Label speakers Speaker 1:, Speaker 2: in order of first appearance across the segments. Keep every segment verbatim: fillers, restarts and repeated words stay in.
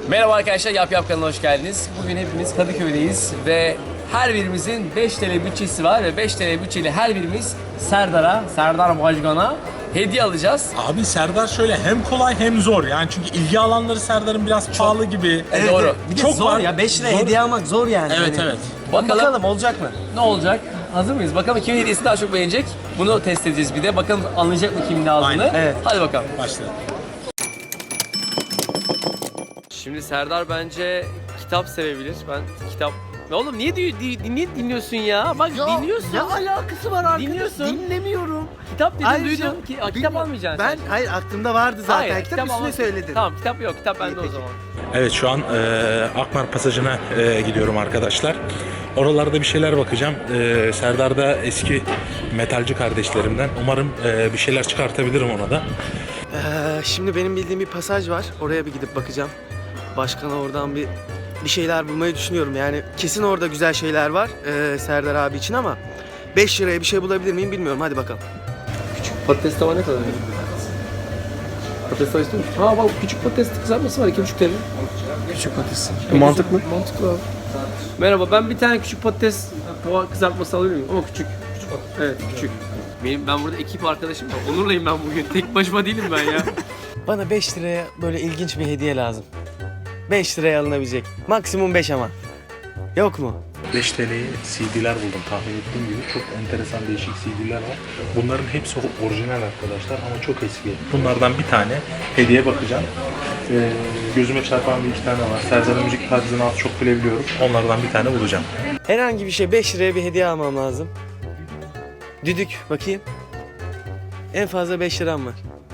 Speaker 1: Merhaba arkadaşlar, Yap Yap kanalına hoş geldiniz. Bugün hepimiz Kadıköy'deyiz ve her birimizin beş T L bütçesi var ve beş T L bütçeyle her birimiz Serdar'a, Serdar Başkan'a hediye alacağız.
Speaker 2: Abi Serdar şöyle hem kolay hem zor yani çünkü ilgi alanları Serdar'ın biraz pahalı gibi.
Speaker 1: Evet, doğru.
Speaker 3: Bir de
Speaker 2: Çok
Speaker 3: zor
Speaker 2: var.
Speaker 3: ya, beş lira
Speaker 2: Zor.
Speaker 3: hediye almak zor yani.
Speaker 2: Evet
Speaker 3: Hani.
Speaker 2: evet.
Speaker 1: Bakalım,
Speaker 3: Bakalım olacak mı?
Speaker 1: ne olacak? Hazır mıyız? Bakalım kimin hediyesini daha çok beğenecek? Bunu test edeceğiz bir de. Bakalım anlayacak mı kimin ne aldığını?
Speaker 2: Aynen.
Speaker 3: Evet.
Speaker 1: Hadi bakalım.
Speaker 2: Başlayalım.
Speaker 1: Şimdi Serdar bence kitap sevebilir. Ben kitap... Oğlum niye, di- di- niye dinliyorsun ya? Bak dinliyorsun.
Speaker 3: Ne alakası var arkadaş?
Speaker 1: Dinliyorsun.
Speaker 3: Dinlemiyorum.
Speaker 1: Kitap dedin
Speaker 3: Ayrıca
Speaker 1: duydum. Ki, kitap
Speaker 3: bilmiyorum.
Speaker 1: almayacaksın
Speaker 3: Ben
Speaker 1: sen.
Speaker 3: hayır aklımda vardı zaten.
Speaker 1: Hayır,
Speaker 3: kitap, üstüne
Speaker 1: alma-
Speaker 3: söyledin.
Speaker 1: Tamam kitap yok. Kitap bende
Speaker 3: İyi,
Speaker 1: o
Speaker 3: peki.
Speaker 1: zaman.
Speaker 2: Evet şu an e, Akmar Pasajı'na e, gidiyorum arkadaşlar. Oralarda bir şeyler bakacağım. E, Serdar da eski metalci kardeşlerimden. Umarım e, bir şeyler çıkartabilirim ona da.
Speaker 3: Ee, şimdi benim bildiğim bir pasaj var. Oraya bir gidip bakacağım. Başkana oradan bir bir şeyler bulmayı düşünüyorum. Yani kesin orada güzel şeyler var ee, Serdar abi için ama beş liraya bir şey bulabilir miyim bilmiyorum. Hadi bakalım.
Speaker 1: Patates tava ne kadar? Patates tava istiyor musun? Ha bak küçük patates kızartması var iki buçuk T L.
Speaker 3: Küçük patates.
Speaker 1: Mantıklı. Mantıklı abi. Merhaba ben bir tane küçük patates tava kızartması alabilir miyim? Ama küçük. Küçük patates. Evet küçük. Benim, ben burada ekip arkadaşım var. Onur'layım ben bugün. Tek başıma değilim ben ya.
Speaker 3: Bana beş liraya böyle ilginç bir hediye lazım. beş liraya alınabilecek. Maksimum beş ama. Yok mu?
Speaker 2: beş T L'ye C D'ler buldum tahmin ettiğim gibi. Çok enteresan değişik C D'ler var. Bunların hepsi orijinal arkadaşlar ama çok eski. Bunlardan bir tane hediye bakacağım. Ee, gözüme çarpan bir iki tane var. Serdar'ın müzik tarzını az çok bilebiliyorum. Onlardan bir tane bulacağım.
Speaker 3: Herhangi bir şey beş liraya bir hediye almam lazım. Düdük bakayım. En fazla beş liram var.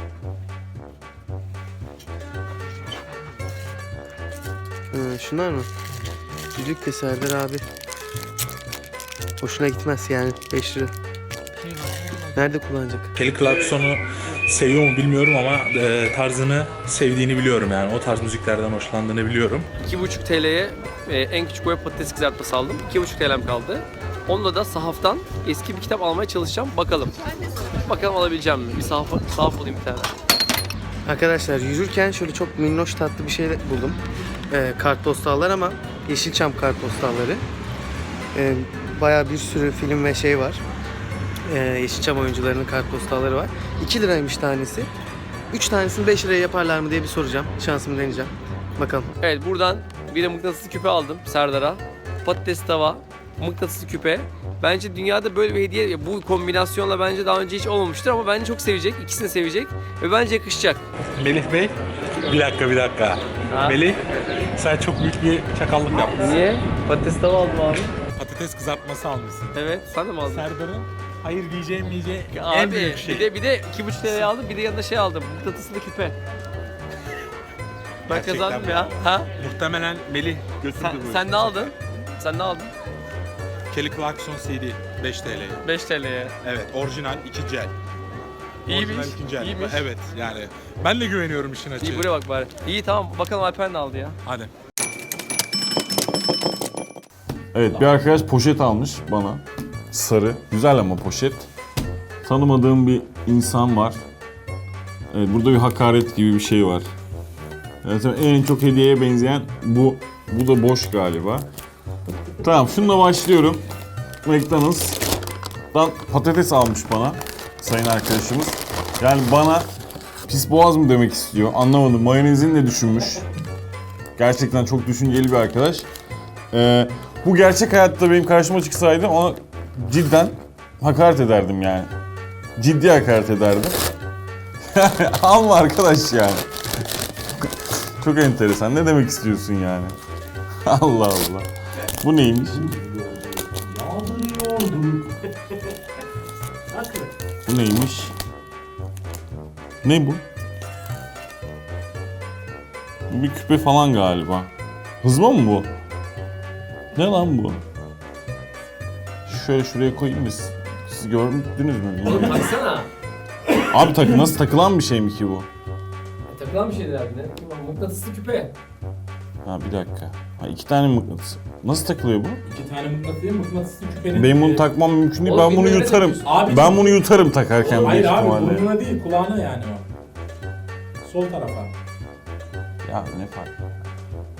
Speaker 3: Hı, şunlar mı? Düdük de Serdar abi. Hoşuna gitmez yani beş lira. Nerede kullanacak?
Speaker 2: Kelly Clarkson'u seviyor mu bilmiyorum ama e, tarzını sevdiğini biliyorum yani. O tarz müziklerden hoşlandığını biliyorum.
Speaker 1: iki buçuk T L'ye e, en küçük boy patates kızartması aldım. iki buçuk T L'm kaldı. Onunla da sahaftan eski bir kitap almaya çalışacağım. Bakalım. Bakalım alabileceğim mi? Bir sahaf, sahaf bulayım bir tane.
Speaker 3: Arkadaşlar yürürken şöyle çok minnoş tatlı bir şey buldum. Ee, kartpostallar ama Yeşilçam kartpostalları. Ee, bayağı bir sürü film ve şey var. Ee, Yeşilçam oyuncularının kartpostalları var. iki liraymış tanesi. üç tanesini beş liraya yaparlar mı diye bir soracağım. Şansımı deneyeceğim. Bakalım.
Speaker 1: Evet buradan bir de mıknatıslı küpe aldım Serdar'a. Patates tava, mıknatıslı küpe. Bence dünyada böyle bir hediye bu kombinasyonla bence daha önce hiç olmamıştır ama bence çok sevecek. İkisini sevecek ve bence yakışacak.
Speaker 2: Melih Bey, bir dakika bir dakika.
Speaker 1: Ha?
Speaker 2: Melih, sen çok büyük bir çakallık yapmışsın.
Speaker 1: Niye? Patates tava aldım abi.
Speaker 2: Patates kızartması almışsın.
Speaker 1: Evet, sen de mi aldın?
Speaker 2: Serdar'ın hayır diyeceğim diyeceği
Speaker 1: Abi,
Speaker 2: en büyük şey.
Speaker 1: bir de bir de iki buçuk T L'ye aldım, bir de yanında şey aldım. Mıknatıslı küpe. Ben
Speaker 2: Gerçekten
Speaker 1: kazandım ya.
Speaker 2: bravo.
Speaker 1: Ha?
Speaker 2: Muhtemelen Melih götürdü
Speaker 1: Sen,
Speaker 2: bu
Speaker 1: sen
Speaker 2: işi.
Speaker 1: ne aldın? Sen ne aldın?
Speaker 2: Kelly Clarkson C D beş T L'ye.
Speaker 1: beş T L'ye.
Speaker 2: Evet, orijinal iki cel.
Speaker 1: İyiymiş.
Speaker 2: Orijinal iki cel.
Speaker 1: İyiymiş.
Speaker 2: Evet, yani ben de güveniyorum işin açığı.
Speaker 1: İyi buraya bak bari. İyi tamam bakalım Alper ne aldı ya.
Speaker 2: Hadi.
Speaker 4: Evet, bir arkadaş poşet almış bana. Sarı. Güzel ama poşet. Tanımadığım bir insan var. Evet, burada bir hakaret gibi bir şey var. Evet, en çok hediyeye benzeyen bu. Bu da boş galiba. Tamam, şununla başlıyorum. McDonald's'tan patates almış bana sayın arkadaşımız. Yani bana pis boğaz mı demek istiyor? Anlamadım. Mayonezini de düşünmüş. Gerçekten çok düşünceli bir arkadaş. Ee, bu gerçek hayatta benim karşıma çıksaydı ona cidden hakaret ederdim yani. Ciddi hakaret ederdim. Alma arkadaş yani. Çok enteresan. Ne demek istiyorsun yani? Allah Allah. Bu neymiş? Bu neymiş? Ne bu? Bu bir küpe falan galiba. Hızma mı bu? Ne lan bu? Şöyle şuraya koyayım biz. Siz gördünüz mü? Bilmiyorum.
Speaker 1: Baksana.
Speaker 4: Abi takı nasıl takılan bir şey mi ki bu?
Speaker 1: Takılan bir şeyler ne? Mıknatıslı küpe.
Speaker 4: Ha bir dakika. Ha iki tane mıknatıs. Nasıl takılıyor bu?
Speaker 5: İki tane mıknatıs değil, mıknatıslı küpenin...
Speaker 4: Benim bunu
Speaker 5: e,
Speaker 4: takmam mümkün değil.
Speaker 1: Oğlum,
Speaker 4: Ben bunu
Speaker 1: bilmiyorum,
Speaker 4: yutarım.
Speaker 1: ne
Speaker 5: Abi,
Speaker 4: Ben bunu yutarım takarken
Speaker 5: Hayır
Speaker 4: büyük
Speaker 5: abi,
Speaker 4: ihtimalle.
Speaker 5: burnuna değil, kulağına yani o. Sol tarafa.
Speaker 4: Ya ne fark?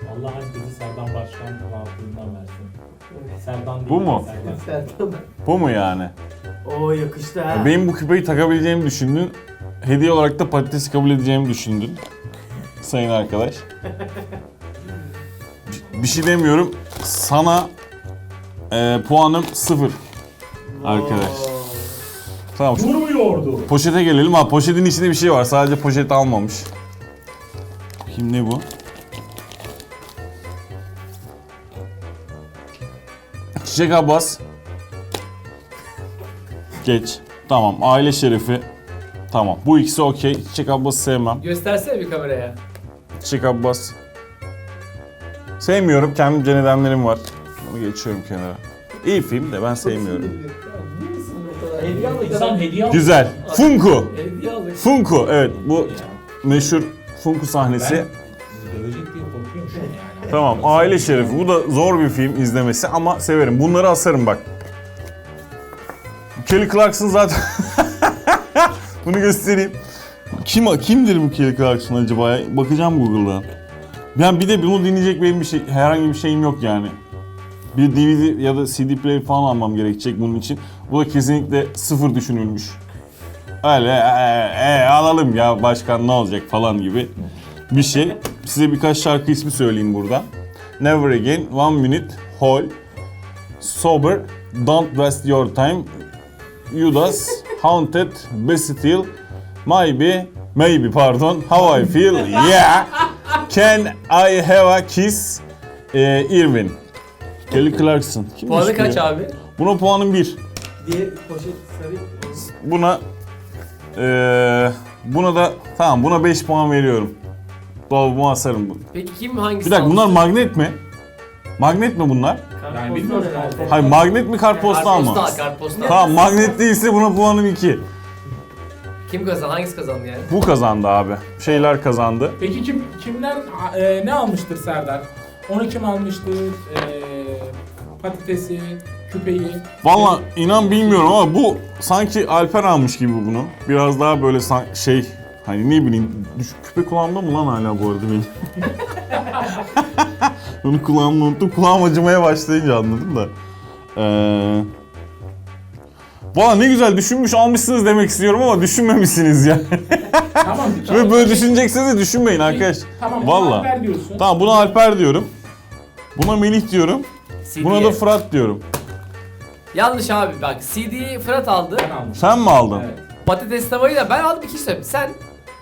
Speaker 5: Allah herkesi Serdan Başkan rahatlığından versin. Serdan değil.
Speaker 4: Bu mu?
Speaker 5: Serdan.
Speaker 3: Sertan.
Speaker 4: Bu mu yani?
Speaker 3: Oo yakıştı ha.
Speaker 4: Benim bu küpeyi takabileceğimi düşündün. Hediye olarak da patatesi kabul edeceğimi düşündün. Sayın arkadaş. Bir şey demiyorum. Sana e, puanım sıfır. Arkadaş. Tamam.
Speaker 5: Durmuyordu.
Speaker 4: Poşete gelelim. Ha, poşetin içinde bir şey var. Sadece poşet almamış. Bakayım ne bu? Çiçek Abbas. Geç. Tamam. Aile şerefi. Tamam. Bu ikisi okey. Çiçek Abbas'ı sevmem.
Speaker 1: Göstersene bir kameraya.
Speaker 4: Çiçek Abbas. Sevmiyorum. Kendimce nedenlerim var. Bunu geçiyorum kenara. İyi film de ben sevmiyorum.
Speaker 1: Hediye aldık.
Speaker 5: İnsan hediye aldı.
Speaker 4: Güzel. Funko.
Speaker 1: Hediye aldık.
Speaker 4: Funko. Evet bu meşhur Funko sahnesi.
Speaker 5: Ben dövecek diye korkuyorum şu an yani.
Speaker 4: Tamam. Aile şerefi. Bu da zor bir film izlemesi ama severim. Bunları asarım bak. Kelly Clarkson zaten... Bunu göstereyim. Kim kimdir bu Kelly Clarkson acaba ya? Bakacağım Google'dan. Ben bir de bunu dinleyecek benim bir şey, herhangi bir şeyim yok yani. Bir D V D ya da C D player falan almam gerekecek bunun için. Bu da kesinlikle sıfır düşünülmüş. Öyle e, e, alalım ya başkan ne olacak falan gibi bir şey. Size birkaç şarkı ismi söyleyeyim burada. Never Again, One Minute, Hole, Sober, Don't Waste Your Time, Judas, Haunted, Bastille, Maybe, Maybe pardon, How I Feel, Yeah, Can I Have a Kiss, e, Irvin. Kelly Clarkson. Kim
Speaker 1: Puanı
Speaker 4: işte
Speaker 1: kaç
Speaker 4: ya?
Speaker 1: abi?
Speaker 4: Buna puanım bir.
Speaker 3: Diğer poşet sarı.
Speaker 4: Buna eee buna da tamam buna beş puan veriyorum. Dolabıma asarım bunu.
Speaker 1: Peki kim hangisi
Speaker 4: Bir dakika bunlar
Speaker 1: almış?
Speaker 4: magnet mi? Magnet mi bunlar?
Speaker 5: Ben bilmiyorum.
Speaker 4: Hayır magnet mi kartpostal mı?
Speaker 1: Kartpostal, kartpostal.
Speaker 4: Tamam magnet değilse buna puanım iki.
Speaker 1: Kim kazandı? Hangisi kazandı yani?
Speaker 4: Bu kazandı abi. Şeyler kazandı.
Speaker 5: Peki kim kimler e, ne almıştır Serdar? Onu kim almıştır? E, patatesi, küpeyi.
Speaker 4: Valla inan bilmiyorum ama bu sanki Alper almış gibi bunu. Biraz daha böyle san- şey hani ne bileyim düş- küpe kulağımda mı lan hala bu arada benim? Onu kulağımda unuttum. Kulağım acımaya başlayınca anladım da. Ee... Valla ne güzel düşünmüş almışsınız demek istiyorum ama düşünmemişsiniz ya.
Speaker 5: Tamam.
Speaker 4: Ve böyle düşüneceksiniz de düşünmeyin arkadaş.
Speaker 5: Tamam.
Speaker 4: Valla.
Speaker 5: Alper diyorsun.
Speaker 4: Tamam buna Alper diyorum. Buna Melih diyorum.
Speaker 1: C D'ye.
Speaker 4: Buna da Fırat diyorum.
Speaker 1: Yanlış abi bak C D'yi Fırat aldı.
Speaker 5: Ben almışım.
Speaker 4: Sen mi aldın?
Speaker 5: Evet.
Speaker 1: Patates tavayı da ben aldım, iki şey söyleyeyim. Sen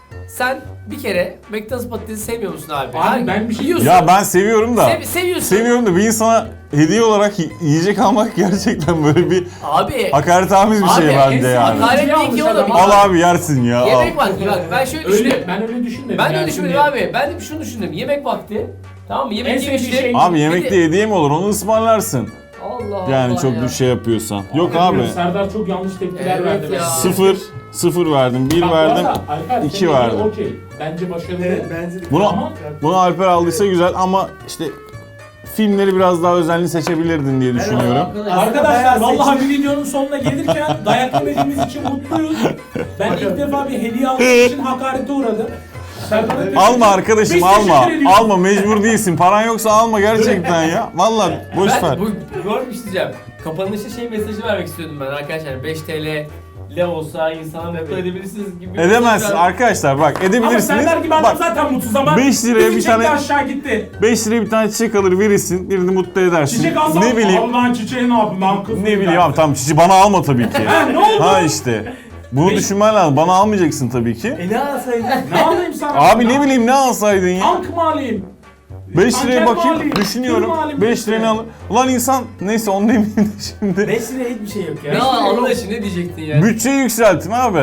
Speaker 1: sen bir kere McDonald's patatesi sevmiyor musun abi?
Speaker 5: Abi ben bir şey-
Speaker 1: yiyorsun.
Speaker 4: Ya ben seviyorum da.
Speaker 1: Sev- seviyorsun.
Speaker 4: Seviyorum da bir insana hediye olarak y- yiyecek almak gerçekten böyle bir
Speaker 1: Abi.
Speaker 4: hakaretamiz bir
Speaker 1: Abi,
Speaker 4: şey bence
Speaker 5: hepsi
Speaker 4: yani.
Speaker 5: hakaret.
Speaker 1: Hakaret değil ki oğlum.
Speaker 4: Al abi yersin ya. al.
Speaker 1: Yemek vakti bak ben şöyle
Speaker 5: Öyle,
Speaker 1: düşündüm.
Speaker 5: ben öyle düşünmedim.
Speaker 1: Ben de
Speaker 5: yani
Speaker 1: öyle düşünmedim
Speaker 5: şimdi-
Speaker 1: abi. Ben de şunu düşündüm. Yemek vakti. Tamam mı?
Speaker 5: En
Speaker 1: Yemek
Speaker 5: sevdiği
Speaker 1: yemiştik.
Speaker 5: şey-
Speaker 4: Abi
Speaker 1: Bir
Speaker 4: yemekte
Speaker 1: de-
Speaker 4: hediye mi olur? Onu ısmarlarsın.
Speaker 1: Allah
Speaker 4: Yani
Speaker 1: Allah
Speaker 4: çok
Speaker 1: ya.
Speaker 4: bir şey yapıyorsan. Yok
Speaker 5: Bilmiyorum,
Speaker 4: abi.
Speaker 5: Serdar çok yanlış tepkiler
Speaker 1: Evet
Speaker 5: verdi.
Speaker 1: ya.
Speaker 5: bence.
Speaker 4: Sıfır. Sıfır verdim. Bir
Speaker 5: Bak bu
Speaker 4: verdim.
Speaker 5: arada Alper,
Speaker 4: iki
Speaker 5: senin
Speaker 4: verdim.
Speaker 5: Okey. Bence başarılı.
Speaker 3: Evet bence de.
Speaker 4: Bunu,
Speaker 5: Ama-
Speaker 4: bunu Alper aldıysa güzel ama işte filmleri biraz daha özenli seçebilirdin diye düşünüyorum.
Speaker 5: Arkadaşlar vallahi bir videonun sonuna gelirken dayak yemediğimiz için mutluyuz. Ben ilk defa bir hediye aldığım için hakarete uğradım. Serdar'a teşekkür-
Speaker 4: Alma arkadaşım
Speaker 5: Biz
Speaker 4: alma.
Speaker 5: teşekkür ediyoruz.
Speaker 4: Alma mecbur değilsin. Paran yoksa alma gerçekten ya. Vallahi boş ver.
Speaker 1: Ben bu, bu bir şey diyeceğim. Kapanışta şey mesajı vermek istiyordum ben arkadaşlar. beş TL ile olsa insana mutlu edebilirsiniz gibi bir mesaj
Speaker 4: Edemezsin
Speaker 1: vermek-
Speaker 4: arkadaşlar bak
Speaker 5: Ama
Speaker 4: edebilirsiniz.
Speaker 5: Serdar gibi adam
Speaker 4: Bak
Speaker 5: zaten mutsuz ama
Speaker 4: beş liraya bir
Speaker 5: çiçek de
Speaker 4: tane-
Speaker 5: aşağı gitti.
Speaker 4: beş liraya bir tane çiçek alır verirsin. Birini mutlu edersin.
Speaker 5: Çiçek alsam
Speaker 4: Ne bileyim.
Speaker 5: al lan çiçeği ne yapayım lan kız.
Speaker 4: Ne bileyim abi tamam çiçeği bana alma tabii ki.
Speaker 5: Ha, ne oldu?
Speaker 4: Ha işte. Bunu
Speaker 5: Beş-
Speaker 4: düşünmen lazım. Bana almayacaksın tabii ki.
Speaker 3: E ne alsaydın?
Speaker 5: Ne alayım sana?
Speaker 4: Abi ne bileyim ne alsaydın ya?
Speaker 5: Tank mı alayım?
Speaker 4: beş
Speaker 5: Tanker
Speaker 4: liraya
Speaker 5: mi
Speaker 4: bakayım
Speaker 5: alayım?
Speaker 4: düşünüyorum.
Speaker 5: Tır mı alayım?
Speaker 4: beş liraya ne alır? Ulan insan neyse onun eminim de şimdi.
Speaker 3: beş liraya hiçbir şey yok ya.
Speaker 1: Ne Allah aşkına ne diyecektin yani?
Speaker 4: Bütçeyi yükseltin abi.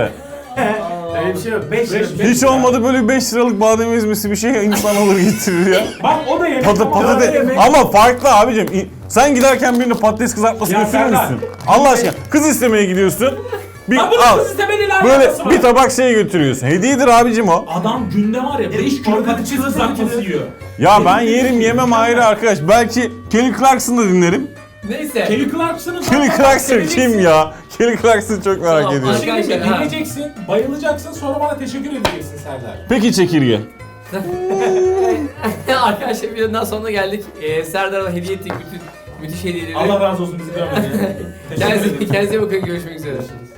Speaker 3: Öyle bir şey yok. beş lira.
Speaker 5: Beş-
Speaker 4: Hiç olmadı böyle beş liralık badem ezmesi bir şey insan alır getirir ya.
Speaker 5: Bak o da yemek.
Speaker 4: Pata,
Speaker 5: ama o da
Speaker 4: patates.
Speaker 5: yemek.
Speaker 4: Ama farklı abicim. İ- Sen giderken birine patates kızartması
Speaker 5: Ya
Speaker 4: götürür
Speaker 5: Serdar.
Speaker 4: müsün? Allah aşkına. Kız istemeye gidiyorsun. Bir
Speaker 5: Lan bunun
Speaker 4: al.
Speaker 5: kız istemediğiyle
Speaker 4: Böyle
Speaker 5: alakası var.
Speaker 4: bir tabak şey götürüyorsun. Hediyedir abicim o.
Speaker 5: Adam günde var ya beş kilo
Speaker 3: orada
Speaker 5: patates
Speaker 3: çikolata
Speaker 5: kızartması
Speaker 3: getiriyor.
Speaker 5: yiyor.
Speaker 4: Ya ben yerim yemem ayrı arkadaş. Belki Kelly Clarkson'ı da dinlerim.
Speaker 1: Neyse.
Speaker 5: Kelly Clarkson'ı
Speaker 4: Kelly Clarkson kim ya? Kelly Clarkson çok merak
Speaker 1: Tamam,
Speaker 4: ediyorum.
Speaker 1: başka-
Speaker 5: Şimdi
Speaker 1: Ha.
Speaker 5: dinleyeceksin, bayılacaksın, sonra bana teşekkür edeceksin Serdar.
Speaker 4: Peki çekirge.
Speaker 1: Arkadaşlar videonun daha sonuna geldik. Ee, Serdar'a hediye ettik bütün müthiş hediyeleri.
Speaker 5: Allah razı olsun bizi görmedi.
Speaker 1: Kendinize, kendinize bakın, görüşmek üzere.